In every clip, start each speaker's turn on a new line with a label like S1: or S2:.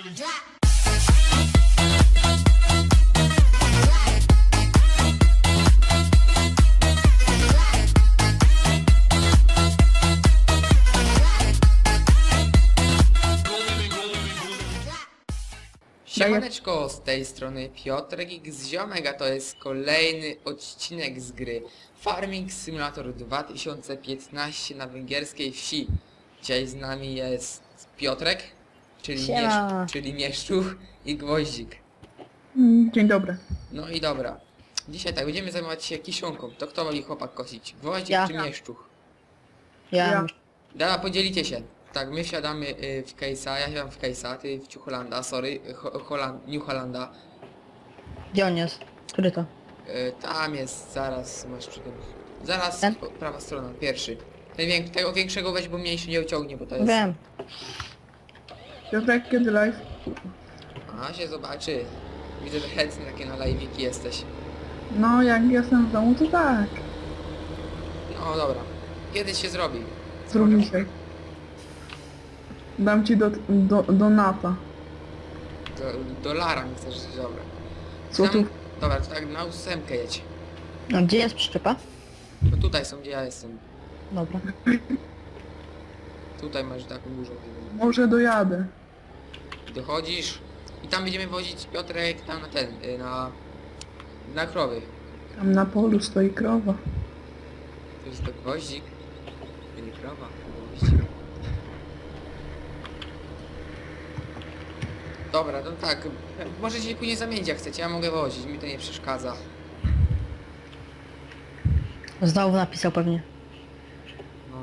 S1: Siemaneczko, z tej strony Piotrek X Ziomek, a to jest kolejny odcinek z gry Farming Simulator 2015 na węgierskiej wsi. Dzisiaj z nami jest Piotrek, czyli Mieszczuch i Gwoździk.
S2: Dzień dobry.
S1: No i dobra, dzisiaj tak, będziemy zajmować się kiszonką. To kto woli chłopak kosić? Gwoździk
S3: Ja.
S1: czy Mieszczuch?
S3: Ja.
S1: Dobra, podzielicie się. Tak, my wsiadamy w case'a, ja siadam w case'a, ty w Ciucholanda, sorry, New Hollanda.
S3: Gdzie on jest? Który to?
S1: Tam jest, zaraz masz przy tym. Zaraz
S3: Ten?
S1: prawa strona, pierwszy. Tego większego weź, bo mniejszy nie uciągnie, bo to jest...
S3: Wiem.
S2: Piotrek, kiedy live?
S1: A się zobaczy. Widzę, że chętny takie na live'iki jesteś.
S2: No, jak jestem w domu, to tak.
S1: No dobra. Kiedyś się zrobi.
S2: Zrób dzisiaj. Dam ci do nata.
S1: Dolara mi chcesz, dobra.
S2: Złotów.
S1: Dobra, to tak na ósemkę jedź.
S3: A gdzie jest przyczepa?
S1: No tutaj są, gdzie ja jestem.
S3: Dobra.
S1: Tutaj masz taką dużą.
S2: Może dojadę.
S1: Dochodzisz i tam będziemy wozić Piotrek tam na ten, na krowy.
S2: Tam na polu stoi krowa.
S1: To jest to gwoździk. To nie krowa, to gwoździk. Dobra, no tak, możecie się później zamienić jak chcecie, ja mogę wozić, mi to nie przeszkadza.
S3: Znowu napisał pewnie.
S1: No.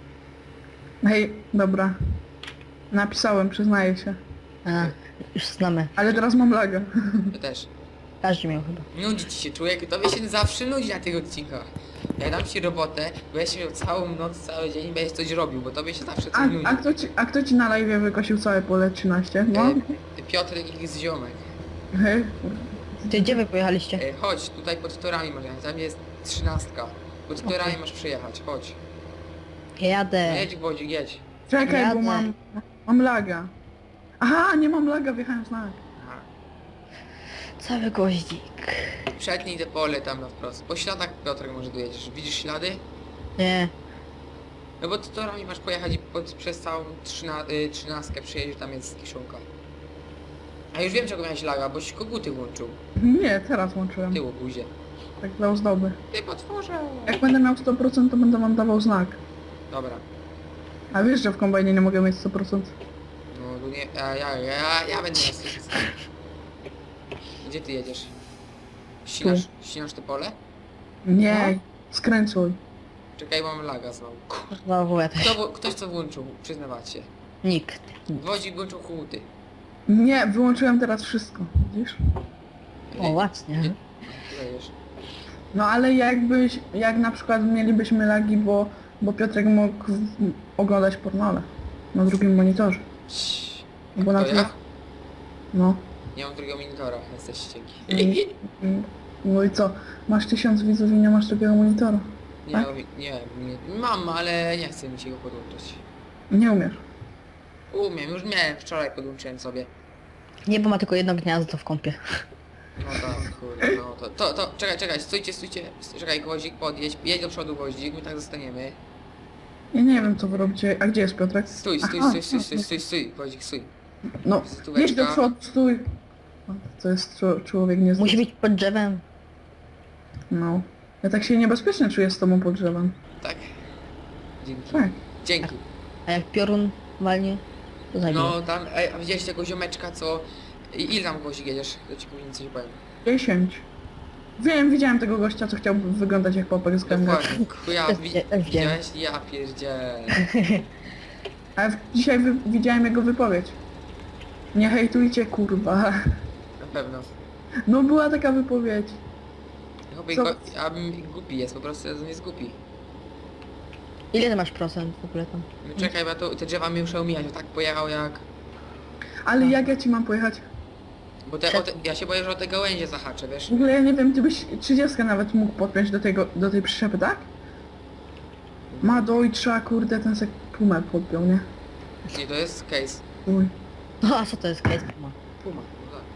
S2: Hej, dobra. Napisałem, przyznaję się.
S3: A, już znamy.
S2: Ale teraz mam laga.
S1: Ja też.
S3: Każdy miał chyba.
S1: Nudzi ci się człowiek, tobie się zawsze nudzi na tych odcinkach. Jak dam ci robotę, będziesz miał całą noc, cały dzień i będziesz coś robił, bo tobie się zawsze coś nudzi.
S2: A kto ci na live wykosił całe pole 13? No?
S1: Piotr X Ziomek.
S2: Hej.
S3: Ty gdzie wy pojechaliście?
S1: Chodź, tutaj pod torami może jechać, tam jest 13. Pod torami masz przyjechać, chodź. No
S3: Jadę.
S1: jedź Gwoździk, jedź.
S2: Czekaj, bo
S3: Jadę.
S2: mam laga. Aha, nie mam laga, wjechałem w znak.
S1: Aha.
S3: Cały goździk.
S1: Przetnij te pole tam na wprost. Po śladach Piotrek może dojedziesz. Widzisz ślady?
S3: Nie.
S1: No bo torami masz pojechać i przez całą 13 przyjedziesz, tam jest kiszonka. A już wiem czego miałeś laga, boś koguty włączył.
S2: Nie, teraz łączyłem.
S1: Ty łobuzie.
S2: Tak dla ozdoby.
S1: Ty potworze.
S2: Jak będę miał 100%, to będę wam dawał znak.
S1: Dobra.
S2: A wiesz, że w kombajnie nie mogę mieć 100%.
S1: No tu nie... Ja będę na stosunku. Gdzie ty jedziesz? Ścinasz te pole?
S2: Nie, skręcuj.
S1: Czekaj, mam laga znowu.
S3: Znowu ja też.
S1: Ktoś co włączył, przyznawać się.
S3: Nikt.
S1: Gwoździk włączył koguty.
S2: Nie, wyłączyłem teraz wszystko, widzisz?
S3: O, ładnie.
S1: Jedziesz.
S2: No ale jak na przykład mielibyśmy lagi, bo Piotrek mógł oglądać pornole na drugim monitorze. Bo na
S1: To ja?
S2: No.
S1: Nie mam drugiego monitora, jesteś cienki.
S2: No i co? Masz 1000 widzów i nie masz drugiego monitora.
S1: Nie,
S2: Tak?
S1: nie, mam, ale nie chcę mi się go podłączyć.
S2: Nie umiesz.
S1: Umiem, już miałem, wczoraj podłączyłem sobie.
S3: Nie, bo ma tylko jedno gniazdo w kąpie.
S1: No tak, kurde, no to, czekaj, stójcie, czekaj, Gwoździk, podjedź, jedź do przodu Gwoździk, my tak zostaniemy.
S2: Ja nie wiem co wy robicie. A gdzie jest Piotrek?
S1: Stój,
S2: Aha,
S1: Gwoździk, stój.
S2: No,
S1: Stóweczka.
S2: jedź do przodu, stój. O, to jest człowiek nie
S3: Musi być pod drzewem.
S2: No. Ja tak się niebezpiecznie czuję z tobą pod drzewem.
S1: Tak. Dzięki.
S2: Tak.
S1: Dzięki.
S3: A jak piorun walnie, to zabije.
S1: No tam, a widziałeś tego ziomeczka, co... Ile tam Gwoździk jedziesz? To ci później coś powiem.
S2: 10. Widziałem tego gościa, co chciał wyglądać jak popek z gęby.
S1: Dokładnie, chuja,
S3: Też wiem.
S1: widziałeś? Ja pierdzielę.
S2: A dzisiaj widziałem jego wypowiedź. Nie hejtujcie, kurwa.
S1: Na pewno.
S2: No była taka wypowiedź.
S1: Chłopie,
S2: Co?
S1: głupi jest, po prostu on jest głupi.
S3: Ile ty masz procent w ogóle tam?
S1: No czekaj, bo te drzewa mi muszę omijać, bo tak pojechał jak...
S2: Ale jak ja ci mam pojechać?
S1: Bo ja się boję, że o te gałęzie zahaczę, wiesz?
S2: W ogóle ja nie wiem, ty byś 30 nawet mógł podpiąć do tej przyczepy, tak? Ma dojtrza, kurde, ten se pumę podpiął, nie?
S1: Nie, to jest case.
S2: Uj.
S3: No a co to jest Case Puma?
S1: Puma, no tak.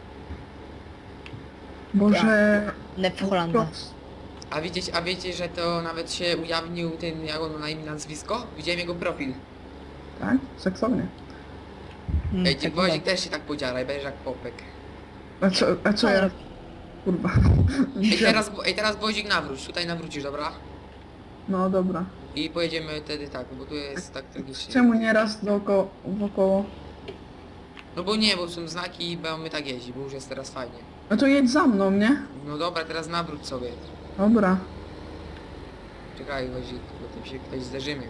S2: Boże...
S3: Nef Holanda.
S1: A wiecie, że to nawet się ujawnił ten, jak on ma na imię, nazwisko? Widziałem jego profil.
S2: Tak? Seksownie.
S1: Ej, ty
S3: Tak
S1: Gwoździk
S3: było.
S1: też się tak podziara i będziesz jak popek.
S2: A co ja... Kurwa.
S1: Ej, teraz Gwoździk nawróć, tutaj nawrócisz, dobra?
S2: No dobra.
S1: I pojedziemy wtedy tak, bo tu jest tak tragicznie.
S2: Czemu nieraz wokoło?
S1: No bo nie, bo są znaki i my tak jeździ, bo już jest teraz fajnie.
S2: No to jedź za mną, nie?
S1: No dobra, teraz nawróć sobie.
S2: Dobra.
S1: Czekaj, Gwoździk, bo tym się ktoś zderzymy.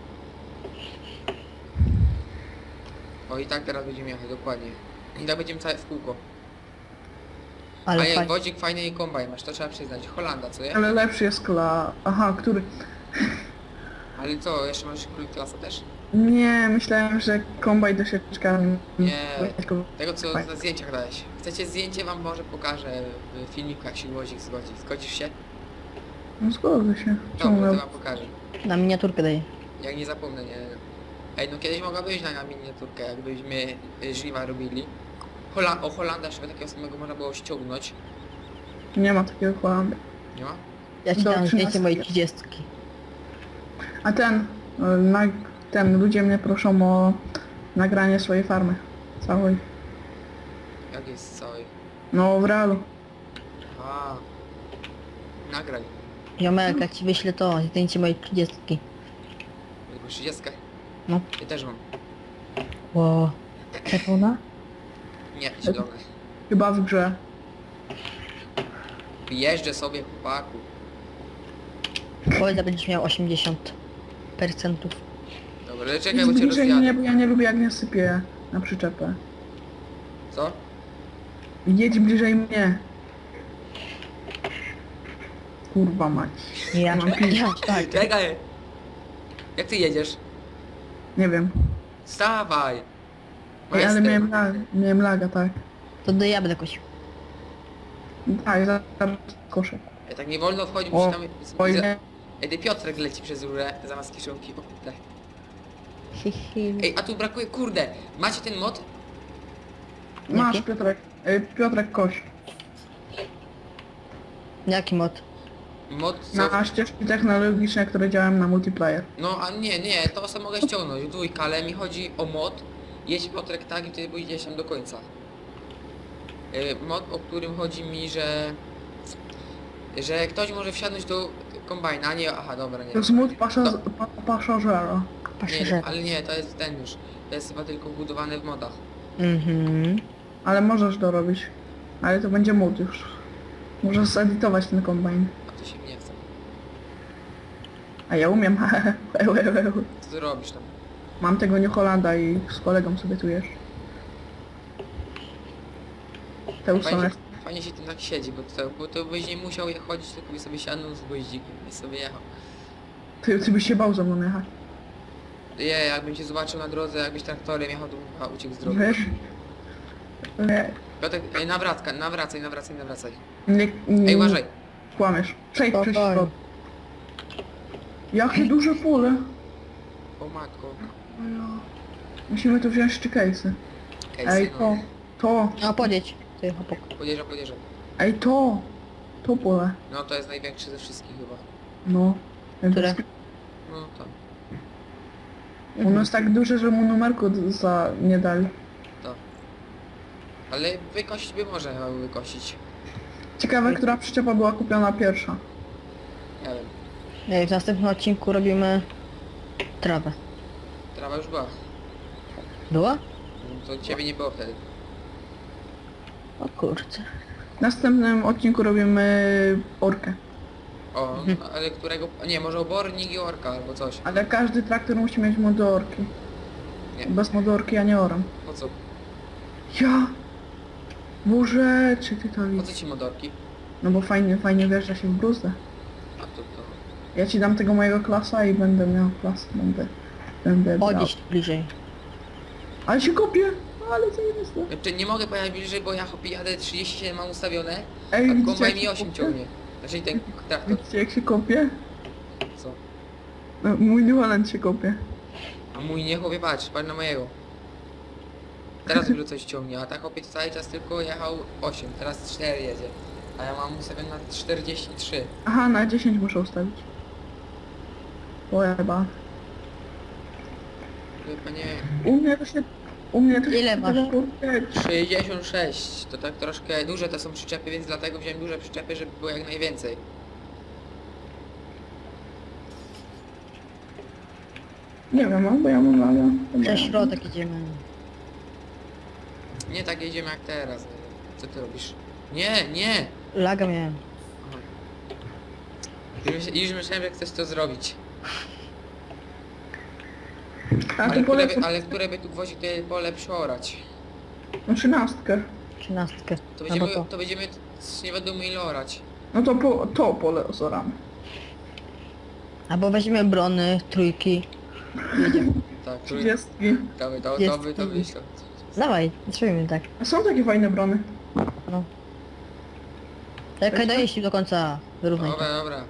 S1: O i tak teraz będziemy jechać, dokładnie. I tak będziemy całe w kółko.
S3: Ale
S1: A jak
S3: fajnie.
S1: Gwoździk fajny kombajn masz, to trzeba przyznać. Holanda, co nie?
S2: Ale lepszy jest kla... Aha, który?
S1: Ale co, jeszcze masz klasa też?
S2: Nie, myślałem, że kombaj do sieczkami.
S1: Nie. Tego co na zdjęciach dałeś. Chcecie zdjęcie, wam może pokażę w filmiku, jak się Gwoździk zgodzi. Zgodzisz się?
S2: No zgodzę się. Czemu
S1: Dobra, to
S2: miał...
S1: wam pokażę.
S3: Na miniaturkę daję.
S1: Jak nie zapomnę, nie. Ej, no kiedyś mogła być na miniaturkę, jakbyśmy żniwa robili. O Holanda, żeby takiego samego można było ściągnąć.
S2: Nie ma takiego Holandy.
S1: Nie ma?
S3: Ja ci
S2: Do
S3: dam zdjęcie
S2: 13.
S3: mojej 30.
S2: A ten, ludzie mnie proszą o nagranie swojej farmy. Całej.
S1: Jak jest cały?
S2: No, w realu.
S1: A. Nagraj.
S3: Jomek, jak ci wyślę to zdjęcie mojej 30.
S1: Tylko 30.
S3: No.
S1: Ja też mam.
S3: Ło. Czerwona?
S1: Nie, zielone.
S2: Chyba w grze.
S1: Jeżdżę sobie, chłopaku.
S3: Powiedz, że będziesz miał 80%.
S1: Dobra, ale czekaj,
S2: Idź
S1: bo cię
S2: bliżej mnie,
S1: rozjadę.
S2: bo ja nie lubię jak mnie sypie na przyczepę.
S1: Co?
S2: Jedź bliżej mnie. Kurwa mać.
S3: Ja,
S2: Mam pić.
S3: ja, tak.
S1: Czekaj! Jak ty jedziesz?
S2: Nie wiem.
S1: Wstawaj!
S2: Ej, ale
S1: Majster.
S2: miałem laga, tak.
S3: To do ja będę kosił.
S2: Tak, za koszek.
S1: Ej, tak nie wolno wchodzić,
S2: O,
S1: bo tam...
S2: Oj, nie.
S1: Ej, ty Piotrek leci przez rurę zamiast kiszonki. O, tak.
S3: Hihi.
S1: Ej, a tu brakuje, kurde! Macie ten mod?
S2: Masz
S3: Jaki?
S2: Piotrek. Piotrek koś.
S3: Jaki mod?
S1: Mod co?
S2: Na ścieżki technologiczne, które działają na multiplayer.
S1: No, a nie, to sobie mogę ściągnąć. Dwójka, ale mi chodzi o mod. Jedź Piotrek tak i ty pójdziesz tam do końca. Mod, o którym chodzi mi, że ktoś może wsiadnąć do kombajna, a nie, aha, dobra, nie.
S2: To jest mód pasażera.
S3: Paszerze.
S1: Ale nie, to jest ten już. To jest chyba tylko wbudowane w modach.
S3: Mhm.
S2: Ale możesz to robić. Ale to będzie mód już. Możesz zedytować ten kombajn.
S1: A to się nie chce.
S2: A ja umiem.
S1: Co ty robisz tam?
S2: Mam tego New Hollanda i z kolegą sobie tu jesz. Te usłone.
S1: Fajnie się tym tak siedzi, bo to byś nie musiał je chodzić, tylko byś sobie siadł z gwoździkiem i sobie jechał.
S2: Ty byś się bał za mną jechać.
S1: Jakbym cię zobaczył na drodze, jakbyś traktorem jechał, to bym chyba uciekł z drogi.
S2: Wiesz?
S1: Piotrek, nawracaj.
S2: Nie,
S1: Ej, uważaj.
S2: kłamiesz. Przejdź przez
S3: Spokojnie.
S2: środek. Jakie duże pole.
S1: O matko.
S2: O ja. Musimy tu wziąć szczykeńcy. Ej,
S1: Casey,
S2: to.
S3: A podjedź. Ty chłopak.
S1: podjeżdżam.
S2: Ej, to pole.
S1: No to jest największy ze wszystkich chyba.
S2: No.
S3: Które?
S1: No to,
S2: Ono jest tak duże, że mu numerku nie dali.
S1: to. Ale wykosić by może chyba wykosić.
S2: Ciekawe, która przyczepa była kupiona pierwsza.
S1: Nie wiem.
S3: Ej, w następnym odcinku robimy trawę.
S1: Trawa już była.
S3: Była?
S1: No to ciebie nie było wtedy.
S3: O kurczę.
S2: W następnym odcinku robimy orkę.
S1: O, ale którego... Nie, może obornik i orka albo coś.
S2: Ale każdy traktor musi mieć modu orki.
S1: Nie.
S2: Bez modu orki ja nie oram.
S1: Po co?
S2: Ja! Boże, czy ty to
S1: Po
S2: widzisz?
S1: co ci modorki?
S2: No bo fajnie wjeżdża się w bruzdę.
S1: A to...
S2: Ja ci dam tego mojego klasa i będę miał klasę. Będę brał.
S3: Podjedź tu bliżej.
S2: Ale się kopię! Ale co jest to?
S1: Znaczy nie mogę pojechać bliżej, bo ja hopie jadę 37 mam ustawione,
S2: Ej,
S1: a
S2: widzicie,
S1: kombajn
S2: jak
S1: mi
S2: się
S1: 8
S2: kopie?
S1: ciągnie. Znaczy ten traktor.
S2: Widzicie jak się kopie?
S1: Co?
S2: No, mój New Holland się kopie.
S1: A mój nie chłopie, patrz na mojego. Teraz dopiero coś ciągnie, a tak chłopiec cały czas tylko jechał 8, teraz 4 jedzie. A ja mam ustawione na 43.
S2: Aha, na 10 muszę ustawić. Łeba.
S1: Chyba nie...
S2: U mnie to się...
S3: Ile masz?
S2: kurde,
S1: 66, to tak troszkę duże to są przyczepy, więc dlatego wziąłem duże przyczepy, żeby było jak najwięcej.
S2: Nie wiem, bo ja mam laga.
S3: Przez środek idziemy.
S1: Nie tak jedziemy jak teraz. Co ty robisz? Nie, nie!
S3: Laga miałem.
S1: Już myślałem, że chcesz to zrobić.
S2: A ty polecam
S1: Ale które by tu gwoździ tutaj pole przeorać?
S2: na 13.
S3: 13.
S1: To
S3: Albo
S1: będziemy,
S3: to.
S1: to będziemy nie wiadomo ile orać.
S2: No to pole osoramy.
S3: Albo weźmiemy brony, trójki. Jedziemy.
S1: Tak,
S2: 30.
S1: to wyjść.
S3: Dawaj, zrobimy tak.
S2: A są takie fajne brony.
S3: No. Czekaj, dojeźdź do końca. Wyrównaj to.
S1: Dobra.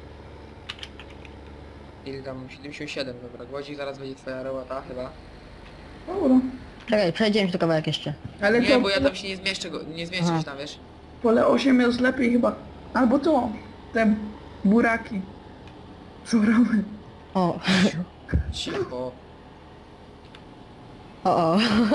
S1: Ile tam? 77, dobra. Gwoździk zaraz będzie twoja robota chyba.
S2: Dobra.
S3: Czekaj, przejdziemy się do kawałek jeszcze.
S2: Ale
S1: Nie,
S2: to
S1: bo ja tam się nie zmieszczę
S3: Aha.
S1: się tam, wiesz?
S2: pole 8 jest lepiej chyba. Albo to. Te buraki. Zoramy.
S3: O.
S1: Cicho.
S3: O.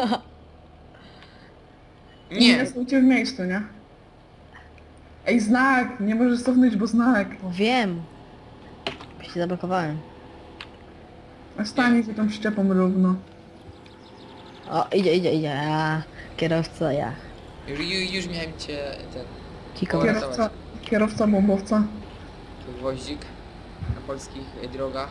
S1: Nie!
S2: Nie stójcie w miejscu, nie? Ej, znak! Nie możesz cofnąć, bo znak.
S3: O, wiem. Się zablokowałem.
S2: A stanie się tą szczepą równo.
S3: O, idzie. A, kierowca, ja.
S1: Już miałem cię ten...
S3: Kiko.
S2: Kierowca bombowca.
S1: Tu gwoździk na polskich drogach.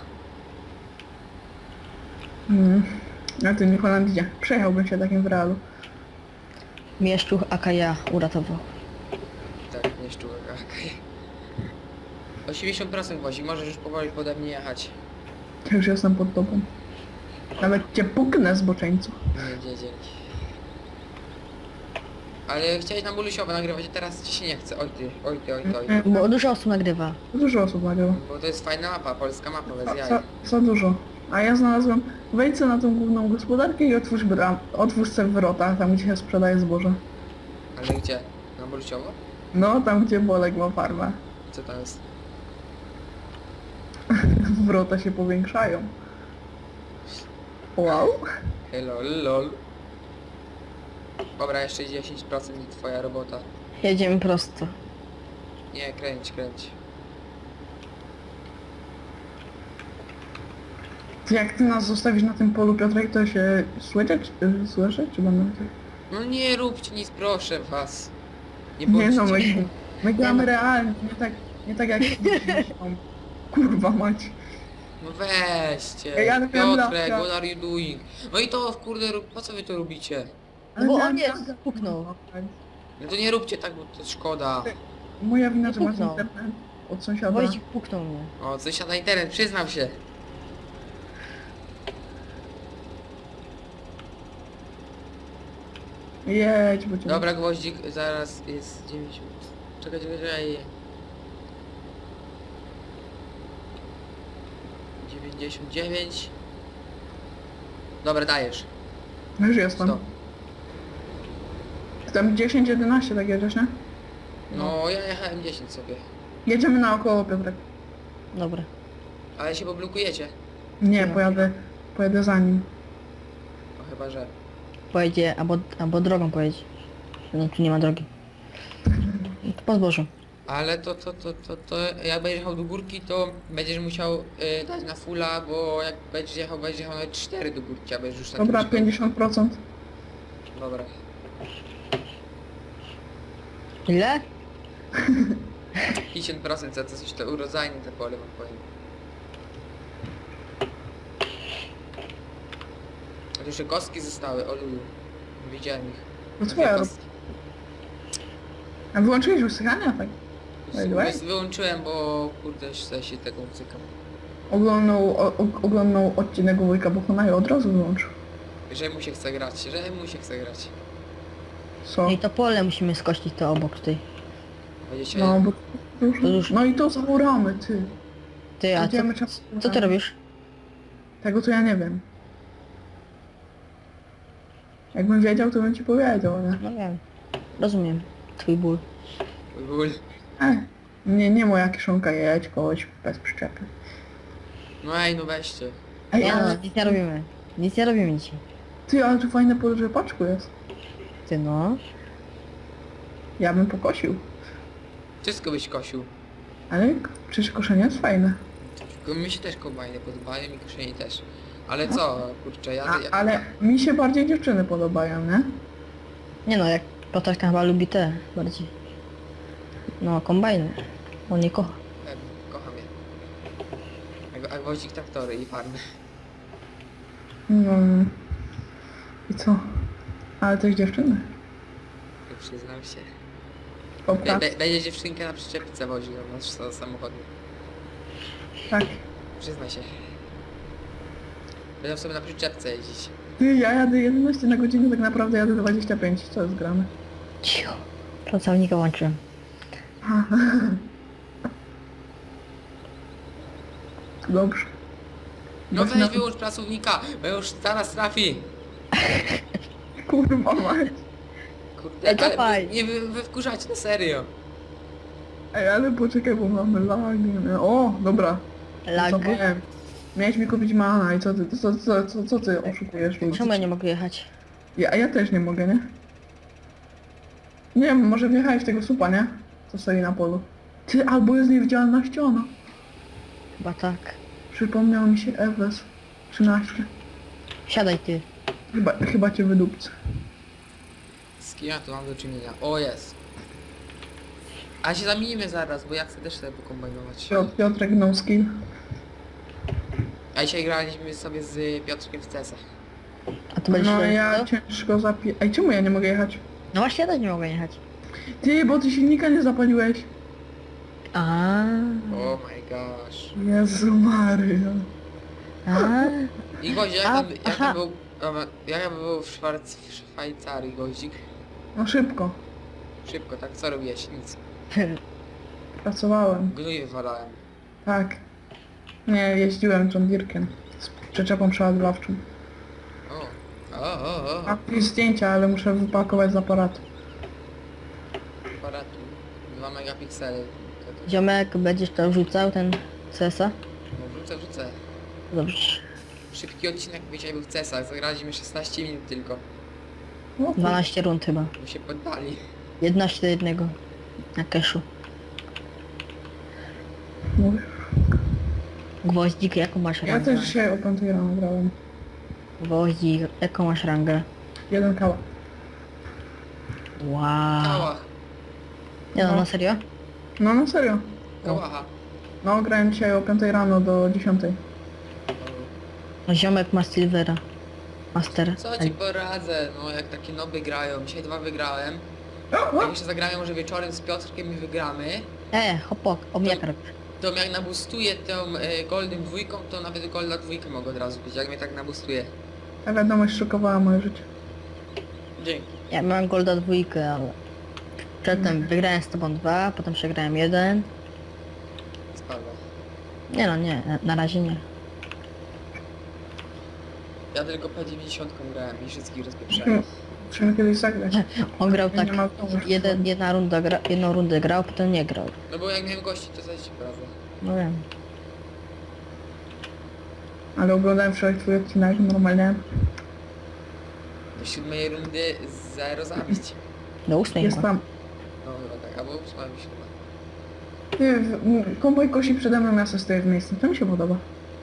S2: A ty nie Holandzie. Przejechałbym się takim w realu.
S3: Mieszczuch Akaja uratował.
S1: Tak, nie szczułek, okej. 80% gwoździk, możesz już powoli pode mnie jechać.
S2: Ja już jestem pod tobą. Nawet cię puknę, zboczeńcu.
S1: Nie, dzięki. Ale chciałeś na bulusiowo nagrywać, a teraz ci się nie chce. Oj ty.
S3: Bo dużo osób nagrywa.
S2: Dużo osób nagrywa.
S1: Bo to jest fajna mapa, polska mapa bez jaj.
S2: Za dużo. A ja znalazłem, wejdź sobie na tą główną gospodarkę i otwórz sobie wrota, tam gdzie się sprzedaje zboże.
S1: Ale gdzie? Na bulusiowo?
S2: No, tam gdzie Bolek ma farmę.
S1: Co tam jest?
S2: Wrota się powiększają. Wow.
S1: Hello, lol. Dobra, jeszcze 10% i twoja robota.
S3: Jedziemy prosto.
S1: Nie, kręć.
S2: Jak ty nas zostawisz na tym polu, Piotrek, to się słyszę, czy będę...
S1: No nie róbcie nic, proszę was. Nie
S2: Nie no,
S1: bądźcie...
S2: my gramy realnie, nie tak jak... Kurwa mać.
S1: No weźcie.
S2: Ja nie wiem,
S1: Piotrek,
S2: Laska.
S1: what are you doing? No i to kurde, po co wy to robicie?
S2: Ale
S3: Bo
S2: ja
S3: on
S2: nie-
S3: nie puknął.
S1: No to nie róbcie tak, bo to szkoda.
S2: Moja wina, że masz
S3: Puknął.
S2: internet od sąsiada.
S3: Wojcik puknął mnie.
S1: O, coś na internet, przyznam się.
S2: Jedź, bo cię...
S1: Dobra, gwoździk, zaraz jest 90. Czekaj. 99. Dobra, dajesz.
S2: Już jestem.
S1: Stop.
S2: Tam 10-11 tak jedziesz, nie?
S1: No, ja jechałem 10 sobie.
S2: Jedziemy naokoło, Piotrek.
S3: Dobra.
S1: Ale się poblokujecie.
S2: Nie,
S3: No.
S2: pojadę za nim.
S1: No chyba, że...
S3: Pojedzie, albo drogą pojedzie. No tu nie ma drogi. To po zbożu.
S1: Ale to jak będziesz jechał do górki, to będziesz musiał dać na fulla, bo jak będziesz jechał nawet 4 do górki, a będziesz już na
S2: Dobra,
S1: tym
S2: 50%.
S1: Dobra.
S3: Ile?
S1: 50% za coś to urodzajne te pole wam powiem. A tu jeszcze kostki zostały, o lulu. Widziałem ich.
S2: To
S1: Dwie
S2: twoja rob...
S1: kostki.
S2: A wyłączyłeś usychania? Tak.
S1: Wyłączyłem, bo kurde się tego cykam.
S2: Oglądał odcinek Wujka Bohona i od razu wyłączył.
S1: Że mu się chce grać.
S2: Co?
S3: No i to pole musimy skościć to obok tutaj.
S1: Będziecie...
S2: No, bo...
S3: To już-
S2: No i to zauramy, ty.
S3: Ty, a
S2: Będziemy
S3: co ty robisz?
S2: Tego to ja nie wiem. Jakbym wiedział, to bym ci powiedział, nie?
S3: No wiem. Rozumiem. Twój ból.
S1: Ból.
S2: Nie moja kieszonka jedź kogoś bez przyczepy.
S1: No ej, no weźcie.
S2: Ej,
S3: Nie no,
S2: ale
S3: nic nie robimy. Nic nie robimy dzisiaj.
S2: ty, ale tu fajne pole rzepaczku jest.
S3: Ty no.
S2: Ja bym pokosił.
S1: Wszystko byś kosił.
S2: Ale przecież koszenie jest fajne.
S1: Tylko mi się też kombajny podobają i koszenie też. Ale co, kurczę, ja...
S2: Ale mi się bardziej dziewczyny podobają, nie?
S3: Nie no, jak Piotrka chyba lubi te bardziej. No, kombajny. On nie kocha.
S1: Kocham je. A gwoździk traktory i farmy.
S2: No. I co? Ale też dziewczyny.
S1: Przyznam się.
S2: Popra.
S1: Będzie dziewczynkę na przyczepce woził na samochody.
S2: Tak.
S1: Przyznaj się. Będą sobie na przyczepce jeździć.
S2: Ty, ja jadę 11 na godzinę, tak naprawdę jadę 25. Co jest grane?
S3: Cicho. Pracownika włączyłem.
S2: Aha. Dobrze.
S1: No
S2: Właśnie
S1: weź wyłącz pracownika, bo już zaraz trafi.
S2: Kurwa mać.
S1: Kurde,
S3: Ej,
S1: ale
S3: cofaj.
S1: nie wy wkurzacie, na serio.
S2: Ej, ale poczekaj, bo mamy lagi. Nie? O, dobra.
S3: Lag.
S2: Zapomniałem. Miałeś mi kupić mana i co ty, co ty oszukujesz ludzi?
S3: Czemu ja nie mogę jechać?
S2: Ja też nie mogę, nie? Nie wiem, może wjechałeś w tego supa, nie? Co stoi na polu. Ty, albo jest niewidzialna ściana.
S3: Chyba tak.
S2: Przypomniał mi się Ewes 13.
S3: Siadaj ty.
S2: Chyba cię wydupcę.
S1: Z kim ja tu mam do czynienia? O, jest. A się zamienimy zaraz, bo ja chcę też sobie pokombinować.
S2: Piotrek no skill.
S1: A dzisiaj graliśmy sobie z Piotrkiem w CS-a.
S3: A to będziesz
S2: No
S3: jechać,
S2: ja
S3: co?
S2: ciężko Ej, czemu ja nie mogę jechać?
S3: No właśnie ja też nie mogę jechać.
S2: Ty, bo ty silnika nie zapaliłeś.
S3: A.
S1: Oh my gosh.
S2: Jezu Maria.
S3: A.
S1: I Gozik, jak
S3: A,
S1: tam
S3: aha.
S1: był... Jak tam był w Szwajcarii, Gozik?
S2: No szybko.
S1: Szybko, tak? Co robiłeś? Nic.
S2: Pracowałem.
S1: Gnój wywalałem.
S2: Tak. Nie, jeździłem John Deere'kiem. Z przyczepą przeładowawczą.
S1: O.
S2: Mam tu zdjęcia, ale muszę wypakować z aparatu.
S1: Aparatu. 2 megapiksele.
S3: Ziomek, będziesz to rzucał, ten CS-a?
S1: No wrzucę.
S3: Dobrze.
S1: Szybki odcinek, bo dzisiaj był w CS-ach. Zagraliśmy 16 minut tylko.
S2: No,
S3: 12 rund chyba.
S1: Bo się poddali.
S3: 11 do 1. Na keszu.
S2: mówię.
S3: Gwoździk, jaką masz
S2: Ja
S3: rangę?
S2: też dzisiaj o 5 rano grałem.
S3: Gwoździk, jaką masz rangę?
S2: 1 kała.
S3: Wow.
S1: Kałach.
S3: Nie no,
S2: No.
S3: na serio?
S2: No na serio.
S1: Kałacha.
S2: No grałem dzisiaj o 5 rano do 10.
S3: No ziomek ma Silvera. Master.
S1: Co ci poradzę? No jak takie noby grają. Dzisiaj 2 wygrałem. Jak jeszcze zagramy może wieczorem z Piotrkiem i wygramy.
S3: Hopok, omniakar.
S1: To jak nabustuję tą Golden dwójką, to nawet Golda dwójkę mogę od razu być, jak mnie tak nabustuje.
S2: Ta wiadomość szokowała moje życie.
S1: Dzięki.
S3: Ja miałem Golda 2, ale... Przedtem wygrałem z tobą 2, potem przegrałem 1.
S1: Spadła.
S3: Nie no, nie, na razie nie.
S1: Ja tylko P90 grałem i wszystkich rozpieprzałem.
S2: Musimy kiedyś zagrać.
S3: On grał
S2: Ja
S3: tak,
S2: nie mam pomysłu.
S3: jedną rundę grał, potem nie grał.
S1: No bo jak miałem gości, to coś ci prawda.
S3: No wiem.
S2: Ale oglądałem wczoraj twój odcinek normalnie.
S1: Do 7 rundy 0 zabić.
S3: Do 8
S2: Jest
S3: chyba.
S2: tam.
S1: No chyba tak, albo 8 chyba.
S2: Ty, konwoj kosi przede mną, ja sobie stoję w miejscu. To mi się podoba.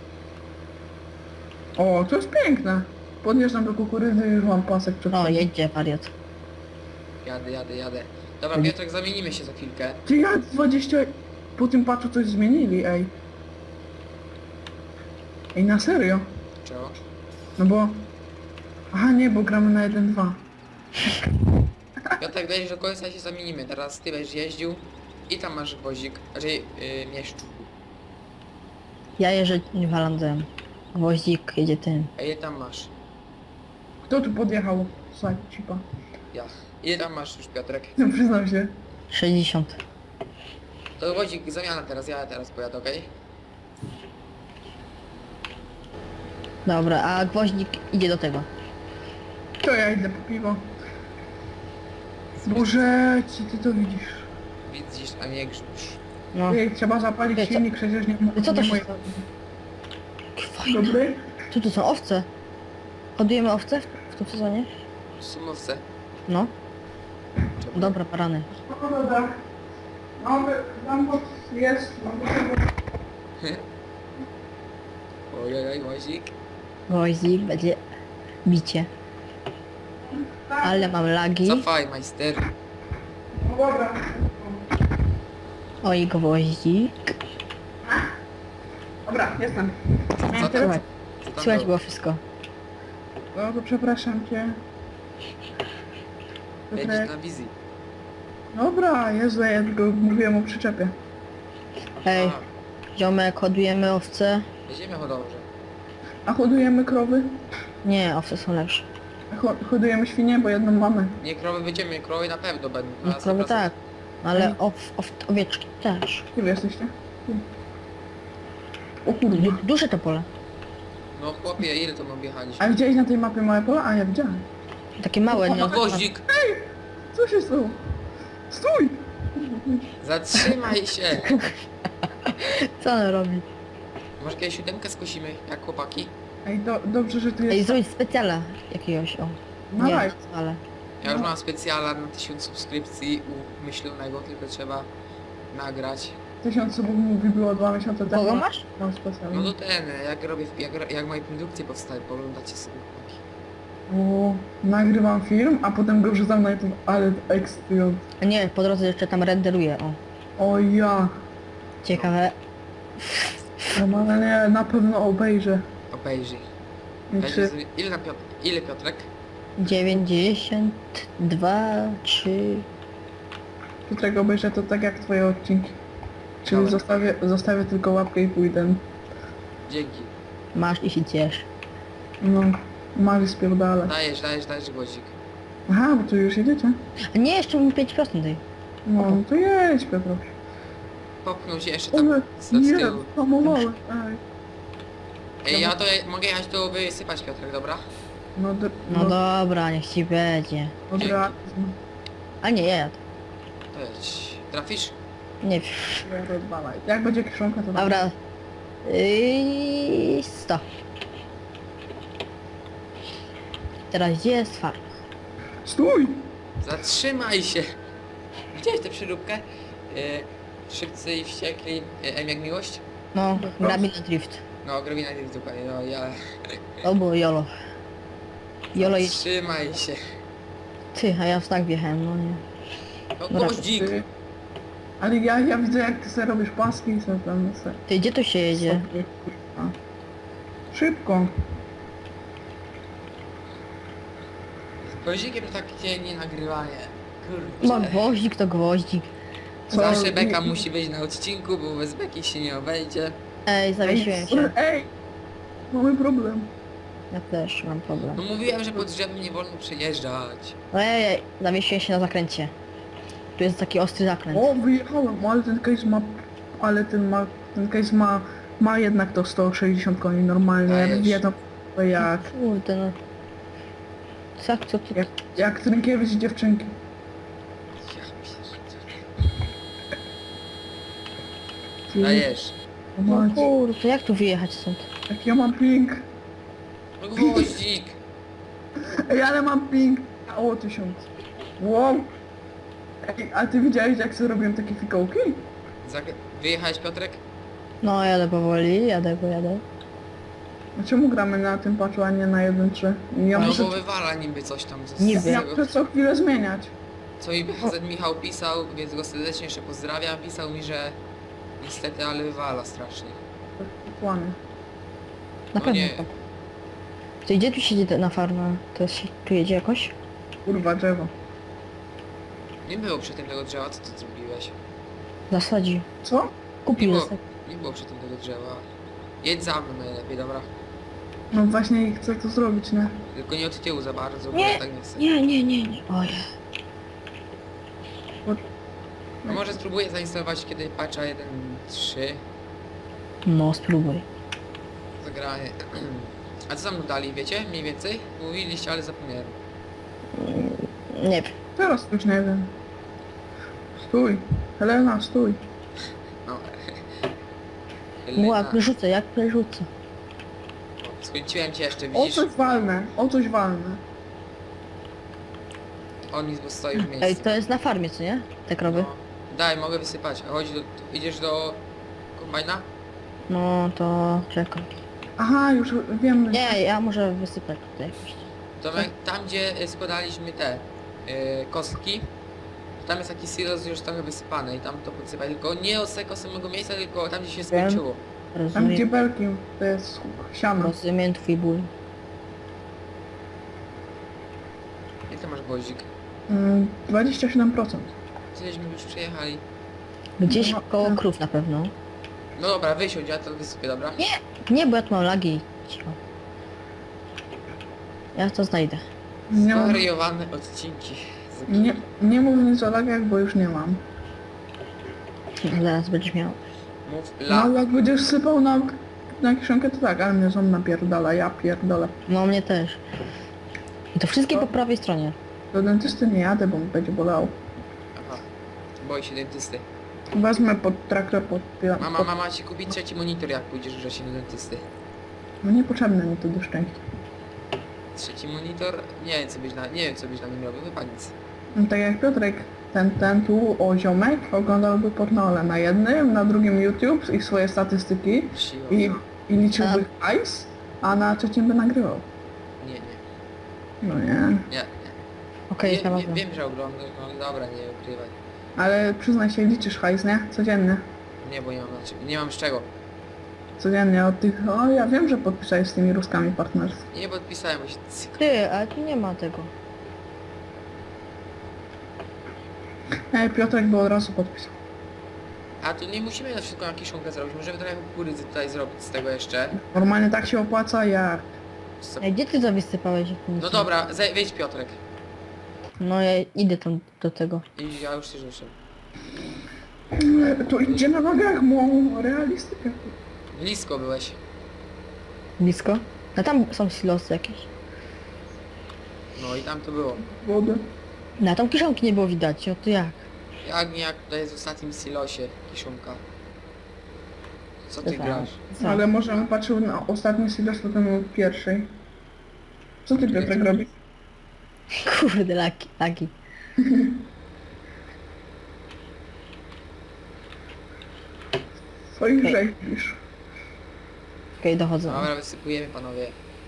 S2: O, to jest piękne. Podjeżdżam do kukurydzy i już mam pasek przed
S3: O,
S2: sobą.
S3: jedzie wariat.
S1: Jadę. Dobra, Piotrek, zamienimy się za chwilkę.
S2: Ty, ja 20... Po tym patchu coś zmienili, ej. Ej, na serio?
S1: Czego?
S2: No bo... Aha, nie, bo gramy na 1-2.
S1: Piotrek, weź do końca i się zamienimy. Teraz ty będziesz jeździł i tam masz gwoździk, raczej mieszczu.
S3: Ja jeżdżę Walandem. Gwoździk jedzie tym.
S1: A ile tam masz?
S2: Kto tu podjechał? Słuchaj, cipa.
S1: Ja. Ile tam masz już, Piotrek?
S2: No, przyznam się.
S3: 60.
S1: To gwoździk, zamiana teraz, ja teraz pojadę, okej?
S3: Dobra, a gwoździk idzie do tego.
S2: To ja idę po piwo. Boże, czy ty to widzisz?
S1: Widzisz, a nie grzmisz.
S3: No.
S2: Ej, trzeba zapalić
S3: Ej, co-
S2: silnik, przecież nie
S3: I co to
S2: nie
S3: się
S2: moje-
S3: stało? Jakie fajne.
S2: Dobry?
S3: Tu są owce. Hodujemy owce w tym sezonie?
S1: Sumowce.
S3: No.
S1: Czemu?
S3: Dobra, parany.
S2: No dobra. No, tam jest.
S1: Ojej, łazik.
S3: Wozik będzie bicie. Ale mam lagi.
S1: Cofaj, majster.
S2: No dobra.
S3: Oj, gwoździk.
S2: Dobra, jestem.
S1: Co tam?
S3: Słuchaj,
S1: Co tam
S3: słychać
S1: było?
S3: było wszystko.
S2: No to przepraszam cię.
S1: Jedziesz
S2: Piotrek.
S1: na wizji.
S2: Dobra, Jezu, ja tylko mówiłem o przyczepie.
S3: Ej, ziomek, hodujemy owce.
S1: Jedziemy hodowrze.
S2: A hodujemy krowy?
S3: Nie, owce są lepsze.
S2: A hodujemy świnie, bo jedną mamy.
S1: Nie, krowy będziemy, krowy na pewno będą.
S3: No
S1: Na
S3: krowy
S1: 100%.
S3: tak. Ale owieczki też.
S2: Gdzie wy jesteście? Tu. O kurde.
S3: Duże to pole.
S1: No chłopie, ile to my objechaliśmy?
S2: A widziałeś na tej mapie małe pola? A ja widziałem.
S3: Takie małe, nie?
S1: No gwoździk!
S2: Co się stało? Stój!
S1: Zatrzymaj się!
S3: Co on robi?
S1: Może kiedyś siódemkę skosimy, jak chłopaki?
S2: Ej, dobrze, że tu
S3: Ej,
S2: jest...
S3: zrobić specjala jakiegoś, o.
S2: Na
S3: Nie,
S2: live.
S3: ale.
S1: Ja już mam specjala na 1000 subskrypcji umyślonego, tylko trzeba nagrać.
S2: 1000 subów mówi było 2 miesiące temu.
S3: Kogo masz?
S2: Mam
S1: No
S2: specjalnie.
S1: to ten, jak robię, jak moje produkcje powstają, poglądacie sobie chłopaki.
S2: O, nagrywam film, a potem go wrzucam na YouTube, ale ekstryot.
S3: A nie, po drodze jeszcze tam renderuję, o.
S2: O ja.
S3: Ciekawe.
S2: Normalnie na pewno obejrzę.
S1: Obejrzyj.
S2: I
S1: Weź
S2: czy...
S1: sobie- Ile Piotrek?
S3: 92, 3.
S2: Którego obejrzę to tak jak twoje odcinki. Czyli
S1: Dobra.
S2: zostawię tylko łapkę i pójdę.
S1: Dzięki.
S3: Masz i się ciesz.
S2: No, Mary spierdala.
S1: Dajesz gwoździk.
S2: Aha, bo tu już jedziecie?
S3: A nie, jeszcze mi 5% daj.
S2: No, to jedź Piotruś.
S1: Popchnął się jeszcze tam
S2: Ale
S1: z
S2: nie,
S1: tyłu.
S2: hamowałem. Ej.
S1: Ej, ja to mogę jechać tu wysypać Piotrek, dobra?
S2: No,
S3: No dobra, niech ci będzie.
S2: dobra.
S3: A nie, ja jadę.
S1: To jedź. Trafisz?
S3: Nie wiem.
S2: Jak będzie kiszonka, to...
S3: Dobra. 100. Teraz gdzie jest farma?
S2: Stój!
S1: Zatrzymaj się! Widziałeś tę przyróbkę? Szybcy i wściekli, M jak miłość?
S3: No, grabina drift.
S1: No, grobina jest dokładnie, no ja...
S3: To było jolo. Jolo jest...
S1: Zatrzymaj się!
S3: Ty, a ja w znak wjechałem, no nie.
S1: No
S3: Dobra,
S1: gwoździk!
S2: Ty. Ale ja widzę jak ty sobie robisz paski i sobie tam se...
S3: Ty, gdzie tu się jedzie?
S2: sobie, kurwa. Szybko.
S1: Gwoździkiem to takie nie nagrywanie.
S3: Ma
S1: Kurczę.
S3: gwoździk to gwoździk.
S2: Co?
S1: Zawsze beka musi być na odcinku, bo bez beki się nie obejdzie.
S3: Ej, zawiesiłem się.
S2: Ej! Mamy problem.
S3: Ja też mam problem.
S1: No mówiłem, że pod drzewem nie wolno przejeżdżać.
S3: Ej, zawiesiłem się na zakręcie. Tu jest taki ostry zakręt.
S2: O, wyjechałem, ale ten case ma... Ale ten case ma jednak to 160 koni normalnie.
S1: Dajesz.
S2: Jak wiedzą, to jak...
S3: Kurde no. Co tu?
S2: Jak Trynkiewicz i dziewczynki.
S1: Ja pierdolę.
S2: Ty,
S1: Dajesz.
S3: No
S2: mać,
S3: kurde, jak tu wyjechać stąd?
S2: jak ja mam ping.
S1: No gwoździk!
S2: Ej, ale mam ping. O, 1000. Wow. Ej, a ty widziałeś jak sobie robiłem takie fikołki?
S1: Wyjechałeś Piotrek?
S3: No jadę powoli, jadę, bo jadę.
S2: A czemu gramy na tym patchu, a nie na 1.3? Ja
S1: No
S2: muszę...
S1: bo wywala niby coś tam z
S3: Niby.
S2: Ja
S1: tego,
S2: muszę co chwilę zmieniać.
S1: co mi BHZ Michał pisał, więc go serdecznie jeszcze pozdrawiam. Pisał mi, że niestety, ale wywala strasznie.
S2: Kłamie.
S3: Na
S1: No
S3: pewno
S1: nie.
S3: tak. Ty gdzie tu siedzi na farmę? To się tu jedzie jakoś?
S2: Kurwa drzewo.
S1: Nie było przy tym tego drzewa, co ty zrobiłeś?
S3: Zasadzi.
S2: Co?
S3: Kupił
S1: Nie było,
S3: zasadzi.
S1: nie było przy tym tego drzewa. Jedź za mną najlepiej, dobra?
S2: No właśnie i chcę to zrobić, nie?
S1: Tylko nie od tyłu za bardzo, bo
S3: Nie,
S1: ja tak nie chcę.
S3: Nie. Oj.
S1: No może spróbuję zainstalować kiedy patcha 1.3
S3: No spróbuj.
S1: zagranie. A co tam dali, wiecie? Mniej więcej? Mówiliście, ale zapomniałem.
S3: Nie wiem.
S2: Teraz już nie wiem. Stój. Helena, stój.
S1: No.
S3: Jak rzucę, jak rzucę.
S1: Skończyłem cię jeszcze,
S2: O
S1: widzisz?
S2: coś walnę, o coś walnę.
S1: On mi stoi w
S3: Ej,
S1: miejscu.
S3: to jest na farmie, co nie? Te krowy?
S1: No. Daj, mogę wysypać. A chodź idziesz do kombajna?
S3: No to czekaj.
S2: Aha, już wiem.
S3: Nie, ja może wysypać tutaj jakoś.
S1: Tomek, tam gdzie składaliśmy te kostki, tam jest taki silos już trochę wysypany i tam to podsypać. Tylko nie od tego samego miejsca, tylko tam gdzie się skończyło.
S2: Tam gdzie
S3: Rozumiem,
S2: belki, to jest siano.
S3: rozumiem twój ból.
S1: Jak ty masz gwoździk?
S2: 27%.
S1: Cośmy już przejechali.
S3: Gdzieś
S2: No,
S3: koło
S2: tak.
S3: krów na pewno.
S1: No dobra, wysiądź, ja to wysypię, dobra?
S3: Nie, bo ja tu mam lagi. Cicho. Ja to znajdę.
S2: Nie, mam,
S1: Zwariowane odcinki. z gry.
S2: nie mów nic o lagach, bo już nie mam.
S3: Zaraz będziesz miał.
S1: Mów
S2: No
S1: la.
S2: jak będziesz sypał na kieszonkę, to tak, ale mnie ząb napierdala, ja pierdolę.
S3: No mnie też. I to wszystkie po prawej stronie.
S2: Do dentysty nie jadę, bo mi będzie bolało.
S1: Aha. Boi się dentysty.
S2: Wezmę pod traktor, pod...
S1: Mama ci kupi trzeci monitor, jak pójdziesz wrześniu do dentysty.
S2: No niepotrzebne mi to do szczęścia.
S1: Trzeci monitor? Nie wiem co byś na nim robił, chyba nic.
S2: No, tak jak Piotrek, ten tu, o ziomek, oglądałby pornole na jednym, na drugim YouTube i swoje statystyki
S1: Siła.
S2: i liczyłby hajs, a na trzecim by nagrywał.
S1: Nie.
S2: No nie.
S3: Okej,
S1: Wiem,
S3: znalazłem.
S1: wiem, że oglądasz, no dobra, nie ukrywaj.
S2: Ale przyznaj się, liczysz hajs, nie? Codziennie.
S1: Nie, bo nie mam z czego.
S2: Codziennie od tych... O, ja wiem, że podpisałeś z tymi Ruskami partnerstwo.
S1: Nie podpisałem, bo się cyk.
S3: Ty, ale tu nie ma tego.
S2: Piotrek by od razu podpisał.
S1: A tu nie musimy na wszystko na kiszonkę zrobić, możemy trochę kukurydzy tutaj zrobić z tego jeszcze.
S2: Normalnie tak się opłaca, jak...
S1: Co-
S3: Ej, gdzie ty to wysypałeś? Jak tu nic
S1: No
S3: nie-
S1: dobra, wejdź Piotrek.
S3: No ja idę tam do tego.
S1: I ja już się ruszę.
S2: To idzie na nogach, mu realistykę.
S1: Blisko byłeś.
S3: Blisko? A tam są silosy jakieś.
S1: No i tam to było.
S2: Wodę.
S3: Na tam kiszonki nie było widać, o to jak?
S1: Jak nie jak tutaj jest w ostatnim silosie kiszonka. Co ty
S3: To
S1: grasz?
S3: Co?
S2: Ale może on patrzył na ostatni silos, potem był pierwszej. Co ty, Piotrek, robisz?
S3: Kurde, laki.
S2: Swoich
S3: Okej.
S2: rzeźbisz.
S3: Okej, dochodzę.
S1: Dobra, wysypujemy panowie.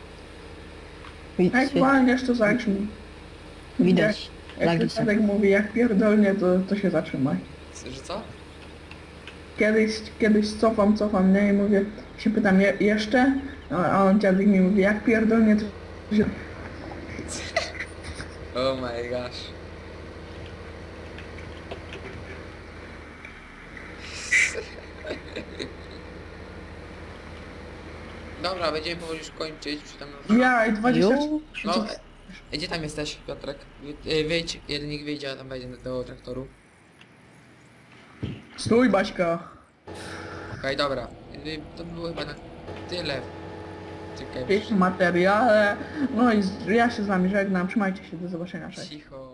S2: Jak walniesz, to zacznij.
S3: Widać.
S2: Jak
S3: Lagi są.
S2: Piotrek mówi, jak pierdolnie, to się zatrzymaj.
S1: Że co?
S2: Kiedyś cofam, nie? I mówię, się pytam, jeszcze? A on dziadek mi mówi, jak pierdolnie, to się...
S1: Oh my gosh. Dobra, będziemy powoli już kończyć. Już tam...
S2: Ja i 20...
S3: Już?
S1: No, gdzie tam jesteś, Piotrek? Wyjdź, jeden niech wyjdzie, a tam wejdzie do traktoru.
S2: Stój, Baśka.
S1: Okej, dobra. To było chyba na tyle. Czekaj,
S2: W materiale. No i ja się z wami żegnam, trzymajcie się, do zobaczenia, cześć.
S1: cicho.